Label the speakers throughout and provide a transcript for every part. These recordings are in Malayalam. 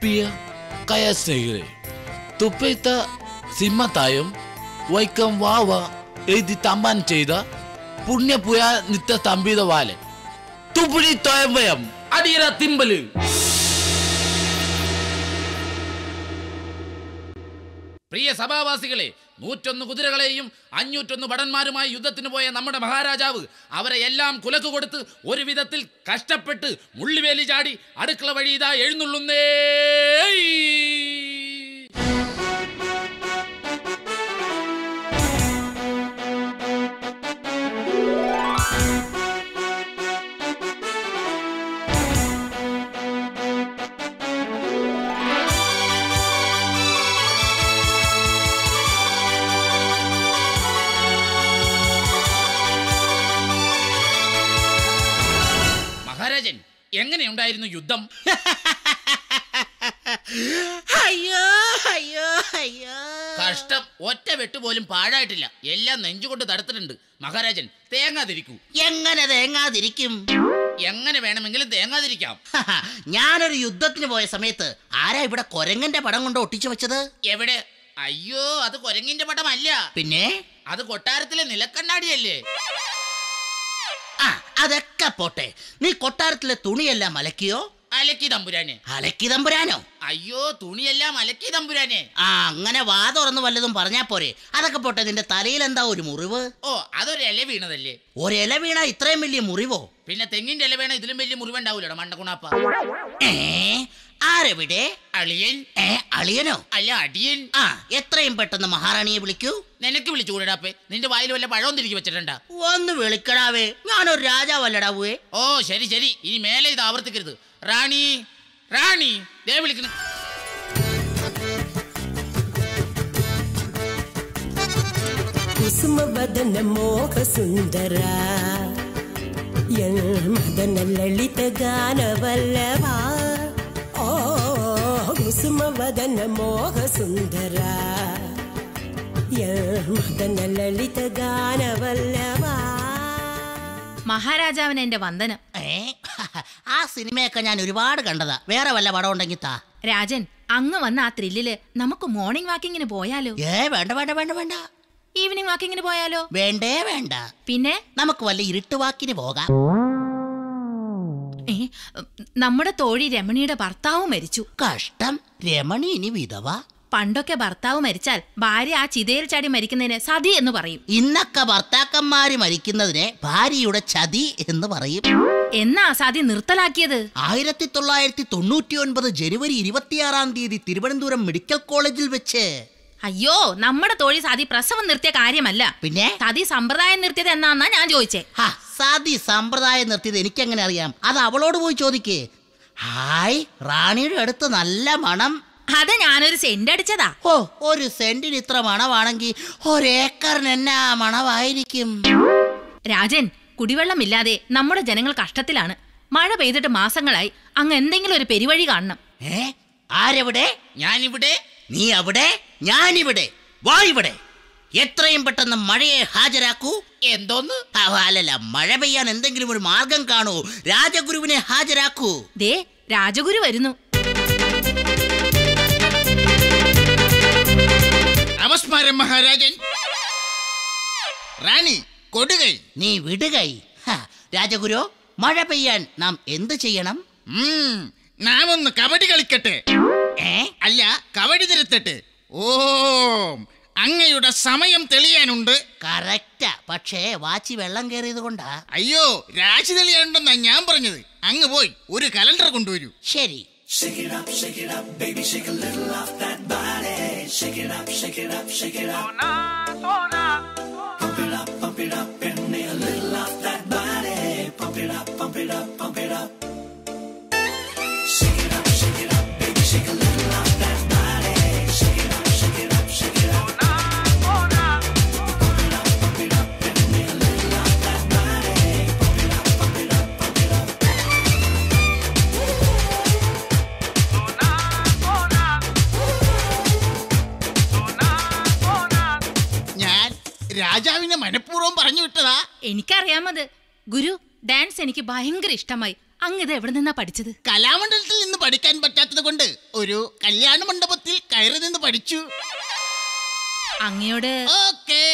Speaker 1: ಪ್ರಿಯ ಕಯ ಸ್ನೇಹಿತರೆ ತುಪ್ಪೈತ ಸಿಂಹತಾಯಂ ವೈಕಂ ವಾವ എഴുതി തമ്പാൻ ചെയ്ത പുണ്യപുയ നിത്യ തമ്പിത വാലെ തുപ്പുഴി തോയമ്പയം അടിയറ തിമ്പല്. പ്രിയ സഭാവാസികളെ, 101 കുതിരകളെയും 501 ഭടന്മാരുമായി യുദ്ധത്തിന് പോയ നമ്മുടെ മഹാരാജാവ് അവരെ എല്ലാം കുലക്ക് കൊടുത്ത് ഒരു വിധത്തിൽ കഷ്ടപ്പെട്ട് മുള്ളിവേലി ചാടി അടുക്കള വഴി ഇതാ എഴുന്നള്ളുന്നേ. മഹാരാജൻ, എങ്ങനെയുണ്ടായിരുന്നു യുദ്ധം?
Speaker 2: അയ്യോ അയ്യോ അയ്യോ,
Speaker 1: കഷ്ടം. ഒറ്റ വെട്ടുപോലും പാഴായിട്ടില്ല. എല്ലാം നെഞ്ചുകൊണ്ട് തടുത്തിട്ടുണ്ട്. മഹാരാജൻ, തേങ്ങാതിരിക്കൂ.
Speaker 2: എങ്ങനെ തേങ്ങാതിരിക്കും?
Speaker 1: എങ്ങനെ വേണമെങ്കിലും തേങ്ങാതിരിക്കാം.
Speaker 2: ഞാനൊരു യുദ്ധത്തിന് പോയ സമയത്ത് ആരാ ഇവിടെ കൊരങ്ങന്റെ പടം കൊണ്ട് ഒട്ടിച്ചു വെച്ചത്?
Speaker 1: എവിടെ? അയ്യോ, അത് കൊരങ്ങിന്റെ പടമല്ല.
Speaker 2: പിന്നെ
Speaker 1: അത് കൊട്ടാരത്തിലെ നിലക്കണ്ണാടിയല്ലേ?
Speaker 2: ആ, അതൊക്കെ പോട്ടെ. നീ കൊട്ടാരത്തിലെ തുണിയെല്ലാം അലക്കിയോ?
Speaker 1: അലക്കി തമ്പുരാനെ.
Speaker 2: അലക്കി തമ്പുരാനോ?
Speaker 1: അയ്യോ, തുണിയെല്ലാം അലക്കി തമ്പുരാനെ.
Speaker 2: ആ, അങ്ങനെ വാ തുറന്ന് വല്ലതും പറഞ്ഞാ പോരെ. അതൊക്കെ പോട്ടെ, നിന്റെ തലയിൽ എന്താ ഒരു മുറിവ്?
Speaker 1: ഓ, അതൊരു ഇല വീണതല്ലേ.
Speaker 2: ഒരില വീണ ഇത്രയും വലിയ മുറിവോ?
Speaker 1: പിന്നെ തെങ്ങിന്റെ ഇല വീണ ഇതിലും വലിയ മുറിവുണ്ടാവൂലോ മണ്ടകുണാപ്പ.
Speaker 2: ആരെവിടെ?
Speaker 1: അളിയൻ.
Speaker 2: അളിയനോ?
Speaker 1: അല്ല, അടിയൻ.
Speaker 2: ആ, എത്രയും പെട്ടെന്ന് മഹാറാണിയെ വിളിക്കൂ.
Speaker 1: നിനക്ക് വിളിച്ചു കൂടാപ്പേ? നിന്റെ വായിൽ വല്ല പഴവും തിരികെ വെച്ചിട്ടുണ്ടാ?
Speaker 2: ഒന്ന് വിളിക്കടാവേ, ഞാനൊരു രാജാവല്ലടാവേ.
Speaker 1: ഓ ശരി ശരി, ഇനി മേലെ ഇത് ആവർത്തിക്കരുത്. റാണി, റാണി, ദേ വിളിക്കുന്നു.
Speaker 3: ಕುಸುಮವದನ ಮೋಹ ಸುಂದರ ಮದನ ಲಲಿತ ಗಾನವಲ್ಲವ. ಓ ಕುಸುಮವದನ ಮೋಹ ಸುಂದರ മദന ലളിത ഗാനവല്ലവ.
Speaker 4: മഹാരാജാവിന് എന്റെ വന്ദനം.
Speaker 2: ആ സിനിമയൊക്കെ ഞാൻ ഒരുപാട് കണ്ടതാ. വേറെ വല്ല പടം ഉണ്ടെങ്കിൽ താ.
Speaker 4: രാജൻ, അങ്ങ് വന്ന ആ ത്രില്ലില് നമുക്ക് മോർണിംഗ് വാക്കിങ്ങിന് പോയാലോ?
Speaker 2: വേണ്ട വേണ്ട വേണ്ട വേണ്ട.
Speaker 4: ഈവനിങ് വാക്കിങ്ങിന് പോയാലോ?
Speaker 2: വേണ്ടേ വേണ്ട.
Speaker 4: പിന്നെ
Speaker 2: നമുക്ക് വല്ല ഇരുട്ട് വാക്കിന് പോകാം.
Speaker 4: നമ്മുടെ തോഴി രമണിയുടെ ഭർത്താവ് മരിച്ചു.
Speaker 2: കഷ്ടം. രമണി ഇനി വിധവ?
Speaker 4: പണ്ടൊക്കെ ഭർത്താവ് മരിച്ചാൽ ഭാര്യ ആ ചിതയിൽ ചാടി മരിക്കുന്നതിന് സതി എന്ന് പറയും.
Speaker 2: ഇന്നൊക്കെ ഭർത്താക്കന്മാര് മരിക്കുന്നതിനെ ഭാര്യയുടെ ചതി എന്ന് പറയും.
Speaker 4: എന്നാ സതി നിർത്തലാക്കിയത്?
Speaker 2: 1999 ജനുവരി 26 തിരുവനന്തപുരം മെഡിക്കൽ കോളേജിൽ വെച്ച്.
Speaker 4: അയ്യോ, നമ്മുടെ തോഴി സതി പ്രസവം നിർത്തിയ കാര്യമല്ല.
Speaker 2: പിന്നെ
Speaker 4: സതി സമ്പ്രദായം നിർത്തിയത് എന്നാന്നാ ഞാൻ ചോദിച്ചേ.
Speaker 2: സതി സമ്പ്രദായം നിർത്തിയത് എനിക്കെങ്ങനെ അറിയാം? അത് അവളോട് പോയി ചോദിക്കേ. ഹായ്, റാണിയുടെ അടുത്ത് നല്ല മണം.
Speaker 4: അത് ഞാനൊരു സെന്റ് അടിച്ചതാ.
Speaker 2: ഓ, ഒരു സെന്റിന് ഇത്ര മണമാണെങ്കിൽ ഒരേക്കറിന് എന്നാ മണമായിരിക്കും?
Speaker 4: രാജൻ, കുടിവെള്ളമില്ലാതെ നമ്മുടെ ജനങ്ങൾ കഷ്ടത്തിലാണ്. മഴ പെയ്തിട്ട് മാസങ്ങളായി. അങ്ങ് എന്തെങ്കിലും ഒരു പെരുവഴി കാണണം.
Speaker 2: ആരെവിടെ?
Speaker 1: ഞാനിവിടെ.
Speaker 2: നീ അവിടെ, ഞാനിവിടെ. വാ ഇവിടെ. എത്രയും പെട്ടെന്ന് മഴയെ ഹാജരാക്കൂ.
Speaker 1: എന്തോന്ന്?
Speaker 2: അല്ലല്ല, മഴ പെയ്യാൻ എന്തെങ്കിലും ഒരു മാർഗം കാണൂ. രാജഗുരുവിനെ ഹാജരാക്കൂ.
Speaker 4: ദേ, രാജഗുരു വരുന്നു.
Speaker 1: നമസ്കാരം മഹാരാജൻ. റാണി കൊടുകൈ.
Speaker 2: നീ വിടുകൈ. രാജഗുരു, മഴ പെയ്യാൻ നാം എന്ത് ചെയ്യണം?
Speaker 1: നാം ഒന്ന് കബഡി കളിക്കട്ടെ. അല്ല, കബഡി തിരുത്തട്ടെ. ഓം, അങ്ങയുടെ സമയം തെളിയാനുണ്ട്.
Speaker 2: കറക്റ്റാ, പക്ഷേ വാച്ചി വെള്ളം കയറിയത് കൊണ്ടാ.
Speaker 1: അയ്യോ, രാശി തെളിയാനുണ്ടെന്നാ ഞാൻ പറഞ്ഞത്. അങ്ങ് പോയി ഒരു കലണ്ടർ കൊണ്ടുവരൂ.
Speaker 2: ശരി.
Speaker 5: Shake it up, baby, shake a little off that body. Shake it up, shake it up, shake it up. Pump it up, and a little off that body. Pump it up, pump it up, pump it up. Shake it up, baby, shake a little off that body. Shake it up, shake it up, shake it up. Pump it up, and a little off that body. Pump it up, pump it up, pump it up.
Speaker 1: രാജാവിനെ മനഃപൂർവ്വം പറഞ്ഞു വിട്ടതാ.
Speaker 4: എനിക്കറിയാമത്. ഗുരു, ഡാൻസ് എനിക്ക് ഭയങ്കര ഇഷ്ടമായി. അങ്ങ് ഇത് എവിടെ നിന്നാ പഠിച്ചത്?
Speaker 1: കലാമണ്ഡലത്തിൽ നിന്ന്
Speaker 2: പഠിക്കാൻ പറ്റാത്തത് കൊണ്ട് ഒരു കല്യാണ മണ്ഡപത്തിൽ കയറി നിന്ന് പഠിച്ചു.
Speaker 4: അങ്ങയോട്
Speaker 2: ഓക്കേ.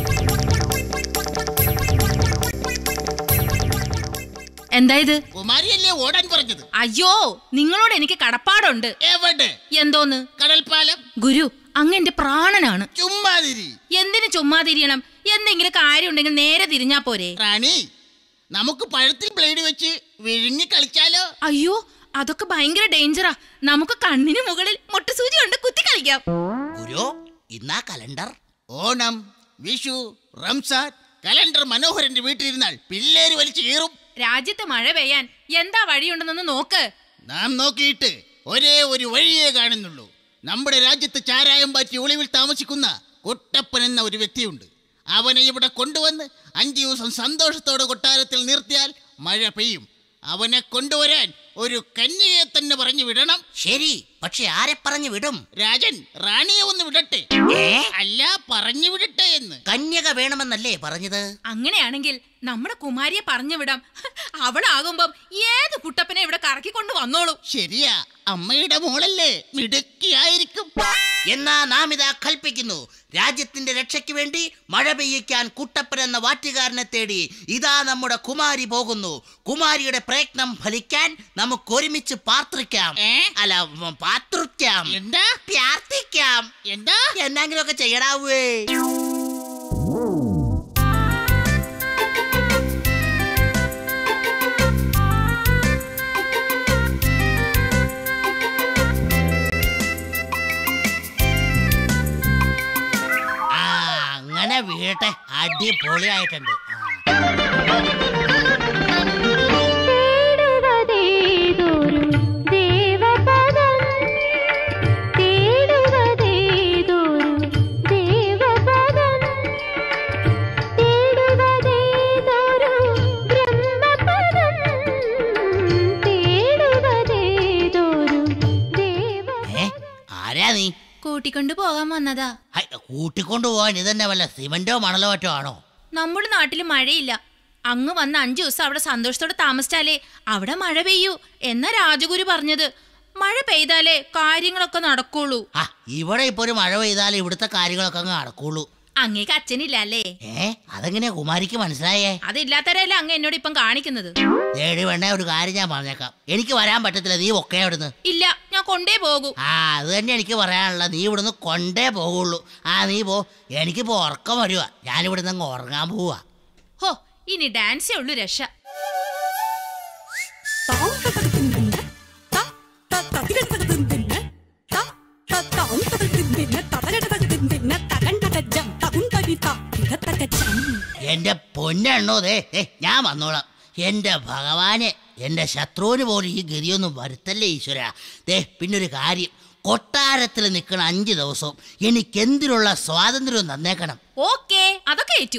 Speaker 4: എന്തായത്?
Speaker 2: കുമാരിയല്ലേ ഓടാൻ പറഞ്ഞത്?
Speaker 4: അയ്യോ, നിങ്ങളോട് എനിക്ക് കടപ്പാടുണ്ട്.
Speaker 2: എവിടെ?
Speaker 4: എന്തോന്ന്?
Speaker 2: കടൽപ്പാലം.
Speaker 4: ഗുരു, അങ്ങ് എന്റെ പ്രാണനാണ്.
Speaker 2: ചുമ്മാതിരി.
Speaker 4: എന്തിനു ചുമ്മാതിരിയണം? എന്തെങ്കിലും കാര്യം ഉണ്ടെങ്കിൽ നേരെ തിരിഞ്ഞാ പോരെ?
Speaker 2: റാണി, നമുക്ക് പഴത്തിൽ ബ്ലേഡ് വെച്ച് വിഴുങ്ങി കളിച്ചാലോ?
Speaker 4: അയ്യോ, അതൊക്കെ ഭയങ്കര ഡേഞ്ചറാ. നമുക്ക് കണ്ണിന് മുകളിൽ മുട്ടുസൂചി കൊണ്ട് കുത്തി കളിക്കാം.
Speaker 2: ഗുരു, ഇന്നാ കലണ്ടർ. ഓണം, വിഷു, റംസാൻ കലണ്ടർ മനോഹരന്റെ വീട്ടിലിരുന്നാൽ പിള്ളേര് വലിച്ചു കീറും.
Speaker 4: രാജ്യത്ത് മഴ പെയ്യാൻ എന്താ വഴിയുണ്ടെന്നൊന്ന് നോക്ക്.
Speaker 2: നാം നോക്കിയിട്ട് ഒരേ ഒരു വഴിയേ കാണുന്നുള്ളൂ. നമ്മുടെ രാജ്യത്ത് ചാരായം പാറ്റി ഒളിവിൽ താമസിക്കുന്ന കുട്ടപ്പൻ എന്ന ഒരു വ്യക്തിയുണ്ട്. അവനെ ഇവിടെ കൊണ്ടുവന്ന് 5 ദിവസം സന്തോഷത്തോടെ കൊട്ടാരത്തിൽ നിർത്തിയാൽ മഴ പെയ്യും. അവനെ കൊണ്ടുവരാൻ ഒരു കന്യകയെ തന്നെ പറഞ്ഞു വിടണം. ശരി, പക്ഷെ ആരെ പറഞ്ഞു വിടും? രാജൻ റാണിയെ ഒന്ന് വിടട്ടെ. അല്ല, പറഞ്ഞു വിടട്ടെ എന്ന്. കന്യക വേണമെന്നല്ലേ പറഞ്ഞത്?
Speaker 4: അങ്ങനെയാണെങ്കിൽ നമ്മുടെ കുമാരിയെ പറഞ്ഞു വിടാം. അവളാകുമ്പം ഏത് കുട്ടപ്പനെ ഇവിടെ കറക്കിക്കൊണ്ട് വന്നോളൂ.
Speaker 2: ശരിയാ, അമ്മയുടെ മോളല്ലേ, മിടുക്കിയായിരിക്കും. എന്നാ നാം ഇതാ കൽപ്പിക്കുന്നു, രാജ്യത്തിന്റെ രക്ഷയ്ക്ക് വേണ്ടി മഴ പെയ്യിക്കാൻ കുട്ടപ്പൻ എന്ന വാറ്റുകാരനെ തേടി ഇതാ നമ്മുടെ കുമാരി പോകുന്നു. കുമാരിയുടെ പ്രയത്നം ഫലിക്കാൻ നമുക്ക് ഒരുമിച്ച് പാർത്തിക്കാം. അല്ല, പാർത്തിക്കാം. എന്താ? പ്രാർത്ഥിക്കാം. എന്താ? എന്തെങ്കിലും ഒക്കെ ചെയ്യടാവേ. അങ്ങനെ വീട്ടെ, അടിപൊളിയായിട്ടുണ്ട്. ആരാ നീ?
Speaker 4: കൂട്ടിക്കൊണ്ടു പോകാൻ വന്നതാ.
Speaker 2: കൂട്ടിക്കൊണ്ടു പോവാൻ ഇതന്നെ വല്ല സിമന്റോ മണലോ മറ്റോ ആണോ?
Speaker 4: നമ്മുടെ നാട്ടിൽ മഴയില്ല. അങ്ങ് വന്ന് 5 ദിവസം അവിടെ സന്തോഷത്തോടെ താമസിച്ചാലേ അവിടെ മഴ പെയ്യൂ എന്നാ രാജഗുരു പറഞ്ഞത്. മഴ പെയ്താലേ കാര്യങ്ങളൊക്കെ നടക്കുള്ളൂ.
Speaker 2: ഇവിടെ ഇപ്പൊ ഒരു മഴ പെയ്താലേ ഇവിടുത്തെ കാര്യങ്ങളൊക്കെ അങ്ങ് നടക്കുള്ളൂ.
Speaker 4: അങ്ങേക്ക് അച്ഛനില്ല അല്ലേ?
Speaker 2: അതെങ്ങനെയാ കുമാരിക്ക് മനസ്സിലായേ?
Speaker 4: അതില്ലാത്തവരല്ലേ അങ്ങ് എന്നോട് ഇപ്പം കാണിക്കുന്നത്.
Speaker 2: വേണ്ട, ഒരു കാര്യം ഞാൻ പറഞ്ഞേക്കാം, എനിക്ക് വരാൻ പറ്റത്തില്ല. നീ ഒക്കെ ഇവിടുന്ന്.
Speaker 4: ഇല്ല, ഞാൻ കൊണ്ടേ പോകൂ.
Speaker 2: അത് തന്നെ എനിക്ക് പറയാനുള്ള, നീ ഇവിടുന്ന് കൊണ്ടേ പോകുള്ളൂ. നീ പോ, എനിക്കിപ്പോ ഉറക്കം വരുക. ഞാനിവിടുന്ന് അങ്ങ് ഉറങ്ങാൻ പോവാ.
Speaker 4: ഹോ, ഇനി ഡാൻസേ ഉള്ളൂ രക്ഷ. എന്റെ പൊന്നെണ്ണോ, ഞാൻ വന്നോളാം. എന്റെ ഭഗവാനെ, എന്റെ ശത്രുവിന് പോലും ഈ ഗതിയൊന്നും വരുത്തല്ലേ ഈശ്വര. പിന്നൊരു കാര്യം, കൊട്ടാരത്തിൽ നിൽക്കണ 5 ദിവസവും എനിക്കെന്തിനുള്ള സ്വാതന്ത്ര്യം തന്നേക്കണം. ഓക്കേ, അതൊക്കെ ഏറ്റു.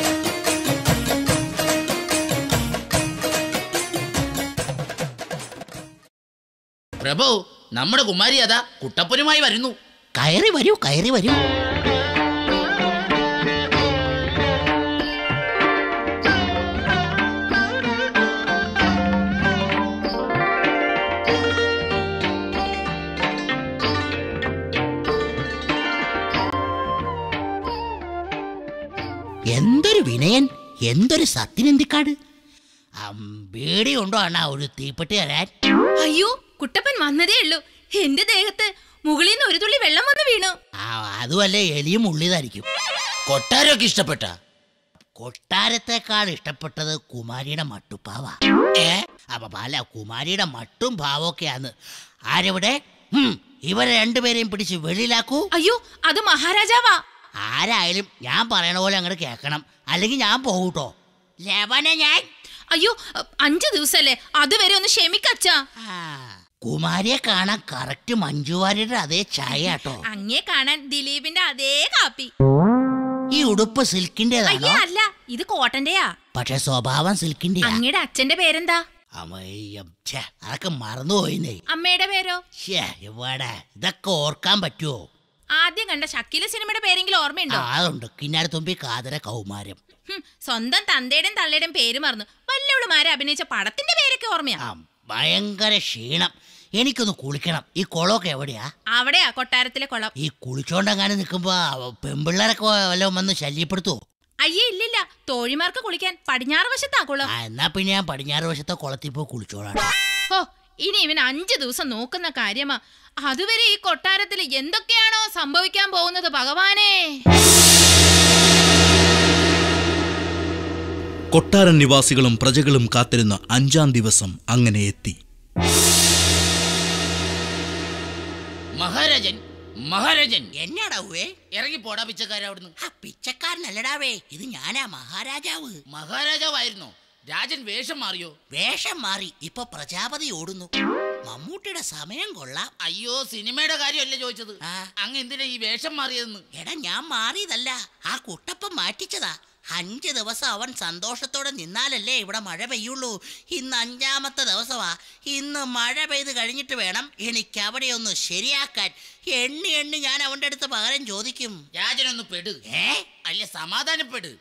Speaker 1: പ്രഭു, നമ്മുടെ കുമാരി അതാ കുട്ടപ്പനുമായി വരുന്നു.
Speaker 2: കയറി വരൂ, കയറി വരൂ. എന്തൊരു വിനയൻ, എന്തൊരു സത്യനന്ദിക്കാട്. പേടിയുണ്ടോ അണ്ണാ ഒരു തീപ്പെട്ടി തരാൻ?
Speaker 4: അയ്യോ, കുട്ടപ്പൻ വന്നതേ ഉള്ളൂ. എന്റെ ദേഹത്ത് മുകളിൽ നിന്ന് ഒരു തുള്ളി വെള്ളം വന്ന് വീണു.
Speaker 2: അതുമല്ലേ, എലിയും ഉള്ളിതായിരിക്കും.
Speaker 1: കൊട്ടാരമൊക്കെ ഇഷ്ടപ്പെട്ട?
Speaker 2: കൊട്ടാരത്തെക്കാൾ ഇഷ്ടപ്പെട്ടത് കുമാരിയുടെ മട്ടുപ്പാവ. അല്ല, കുമാരിയുടെ മട്ടും ഭാവമൊക്കെയാന്ന്. ആരെവിടെ? ഇവരെ 2 പേരെയും പിടിച്ച് വെളിയിലാക്കൂ.
Speaker 4: അയ്യോ, അത് മഹാരാജാവാ.
Speaker 2: ആരായാലും ഞാൻ പറയണ പോലെ അങ്ങോട്ട് കേൾക്കണം, അല്ലെങ്കിൽ ഞാൻ പോകൂട്ടോ. ഞാൻ
Speaker 4: അയ്യോ, 5 ദിവസല്ലേ, അതുവരെ ഒന്ന് ക്ഷമിക്കച്ചാ.
Speaker 2: കുമാരിയെ കാണാൻ കറക്റ്റ് മഞ്ജുവാരിയുടെ അതേ ചായ കേട്ടോ.
Speaker 4: അങ്ങേ കാണാൻ ദിലീപിന്റെ അതേ കാപ്പി.
Speaker 2: ഈ ഉടുപ്പ് സിൽക്കിന്റേതാണോ?
Speaker 4: അല്ല, ഇത് കോട്ടന്റെയാ.
Speaker 2: പക്ഷെ സ്വഭാവം സിൽക്കിന്റെ.
Speaker 4: അങ്ങയുടെ അച്ഛന്റെ പേരെന്താ?
Speaker 2: അതൊക്കെ മറന്നുപോയിന്നേ.
Speaker 4: അമ്മയുടെ പേരോ?
Speaker 2: ഇവിടെ ഇതൊക്കെ ഓർക്കാൻ പറ്റുമോ?
Speaker 4: ആദ്യം കണ്ട ഷക്കീല സിനിമയുടെ പേരെങ്കിലും ഓർമ്മയുണ്ടോ?
Speaker 2: അതുണ്ട്, കിന്നാരത്തുമ്പി കാതര കൗമാരം.
Speaker 4: സ്വന്തം തന്തയുടെയും തള്ളയുടെയും പേര് മറന്നു. വല്ലവളുമാരെ അഭിനയിച്ച പടത്തിന്റെ പേരൊക്കെ ഓർമ്മയാ.
Speaker 2: ഭയങ്കര ക്ഷീണം.
Speaker 4: എനിക്കൊന്ന് കുളിക്കണം. ഈ കുളമൊക്കെ എവിടെയാ?
Speaker 6: അവിടെയാ കൊട്ടാരത്തിലെ കുളം.
Speaker 4: ഈ കുളിച്ചോണ്ടെങ്ങാനും നിൽക്കുമ്പോ പെമ്പിള്ളേരൊക്കെ വല്ലതും വന്ന് ശല്യപ്പെടുത്തുവോ?
Speaker 6: അയ്യേ ഇല്ലില്ല, തോഴിമാർക്ക് കുളിക്കാൻ പടിഞ്ഞാറ് വശത്താ കുളം.
Speaker 4: എന്നാ പിന്നെ ഞാൻ പടിഞ്ഞാറ് വശത്തെ കുളത്തിൽ പോയി കുളിച്ചോളാം.
Speaker 6: ഓ, ഇനി ഇവൻ 5 ദിവസം നോക്കുന്ന കാര്യമാ. അതുവരെ ഈ കൊട്ടാരത്തിൽ എന്തൊക്കെയാണോ സംഭവിക്കാൻ പോകുന്നത് ഭഗവാനേ.
Speaker 7: കൊട്ടാരൻ നിവാസികളും പ്രജകളും കാത്തിരുന്ന 5-ാം ദിവസം അങ്ങനെ എത്തി.
Speaker 1: മഹാരാജൻ, മഹാരാജൻ,
Speaker 4: എന്നാടാവേ?
Speaker 1: ഇറങ്ങി പോടാ പിച്ചക്കാരാ അവിടുന്ന്.
Speaker 4: പിച്ചക്കാരനല്ലടാവേ, ഇത് ഞാനാ മഹാരാജാവ്.
Speaker 1: മഹാരാജാവായിരുന്നോ? രാജൻ വേഷം മാറിയോ?
Speaker 4: വേഷം മാറി, ഇപ്പൊ പ്രജാപതി ഓടുന്നു. മമ്മൂട്ടിയുടെ സമയം കൊള്ളാം.
Speaker 1: അയ്യോ, സിനിമയുടെ കാര്യമല്ലേ ചോദിച്ചത്. അങ്ങ് എന്തിനാ ഈ വേഷം മാറിയതെന്ന്?
Speaker 4: എടാ, ഞാൻ മാറിയതല്ല, ആ കുട്ടപ്പൻ മാറ്റിച്ചതാ. 5 ദിവസം അവൻ സന്തോഷത്തോടെ നിന്നാലല്ലേ ഇവിടെ മഴ പെയ്യുള്ളൂ. ഇന്ന് 5-ാമത്തെ ദിവസമാ. ഇന്ന് മഴ പെയ്ത് കഴിഞ്ഞിട്ട് വേണം എനിക്ക് അവിടെ ഒന്ന് ശരിയാക്കാൻ. എണ്ണി ഞാൻ അവന്റെ അടുത്ത് പകരം ചോദിക്കും.
Speaker 1: രാജനൊന്ന് പെട്. അല്ല, സമാധാനപ്പെട്.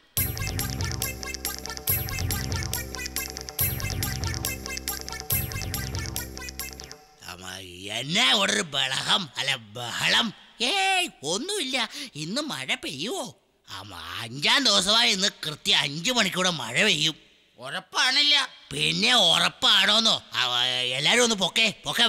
Speaker 4: എന്നാ ഒരു ബഹളം, അല്ല ബഹളം? ഒന്നുമില്ല. ഇന്ന് മഴ പെയ്യുവോ? 5-ാം ദിവസമായി. ഇന്ന് കൃത്യം 5 മണിക്കൂടെ മഴ പെയ്യും.
Speaker 1: ഉറപ്പാണില്ല?
Speaker 4: പിന്നെ ഉറപ്പാണോന്നോ? എല്ലാരും ഒന്ന് പൊക്കെ.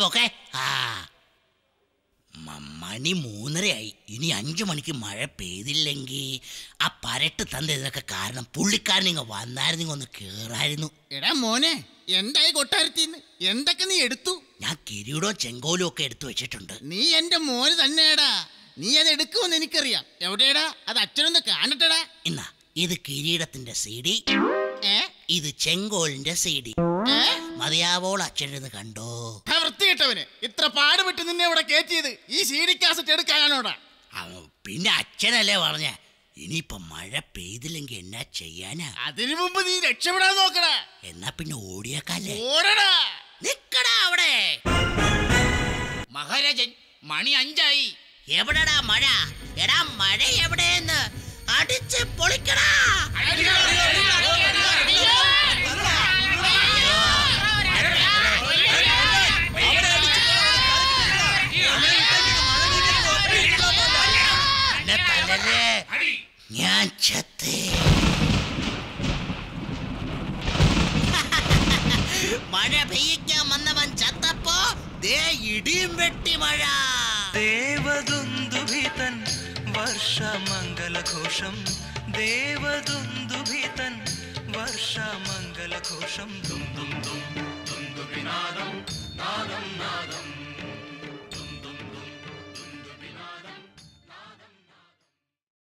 Speaker 4: മണി 3:30ആയി. ഇനി 5 മണിക്ക് മഴ പെയ്തില്ലെങ്കിൽ ആ പരട്ട് തന്ന ഇതിനൊക്കെ കാരണം പുള്ളിക്കാരൻ ഇങ്ങ് വന്നായിരുന്നു, ഒന്ന് കേറായിരുന്നു.
Speaker 2: എടാ മോനെ, എന്തായി കൊട്ടാരത്തിന്ന്? എന്തൊക്കെ നീ എടുത്തു?
Speaker 4: ഞാൻ കിരീടവും ചെങ്കോലും ഒക്കെ എടുത്തു വെച്ചിട്ടുണ്ട്.
Speaker 2: നീ എന്റെ മോന് തന്നെയാടാ. നീ അത് എടുക്കുമെന്ന് എനിക്കറിയാം. എവിടെയാടാ അത്? അച്ഛനൊന്ന് കാണട്ടടാ.
Speaker 4: എന്നാ, ഇത് കിരീടത്തിന്റെ CD, ഇത് ചെങ്കോലിന്റെ CD. മതിയാവോൾ അച്ഛനെന്ന് കണ്ടോ?
Speaker 2: വൃത്തികെട്ടവന്, ഇത്ര പാടുപെട്ട് നിന്നെ ഇവിടെ കയറ്റിയത് ഈ CD കാസറ്റ് എടുക്കാനാണോടാ?
Speaker 4: പിന്നെ അച്ഛനല്ലേ പറഞ്ഞ ഇനിയിപ്പൊ മഴ പെയ്തില്ലെങ്കിൽ എന്നാ ചെയ്യാനാ?
Speaker 2: അതിനു മുമ്പ് നീ രക്ഷപ്പെടാൻ നോക്കടാ.
Speaker 4: എന്നാ പിന്നെ ഓടിയേക്കാല്ലേ?
Speaker 2: ഓടടാ.
Speaker 4: നിക്കടാ അവിടെ.
Speaker 1: മഹാരാജൻ, മണി 5ആയി.
Speaker 4: എവിടെടാ മഴ? എടാ, മഴ എവിടെയെന്ന് അടിച്ച് പൊളിക്കടാ. ഞാൻ ചത്തേ. മഴ പെയ്യിക്കാൻ വന്നവൻ ചത്തപ്പോ ദേ ഇടിയും വെട്ടി മഴ.
Speaker 5: ദേവദുന്ദുഭിതൻ വർഷമംഗലഘോഷം, ദേവദുന്ദുഭിതൻ വർഷമംഗലഘോഷം. ദും ദും ദും ദുന്ദുഭിനാദം നാദം നാദം.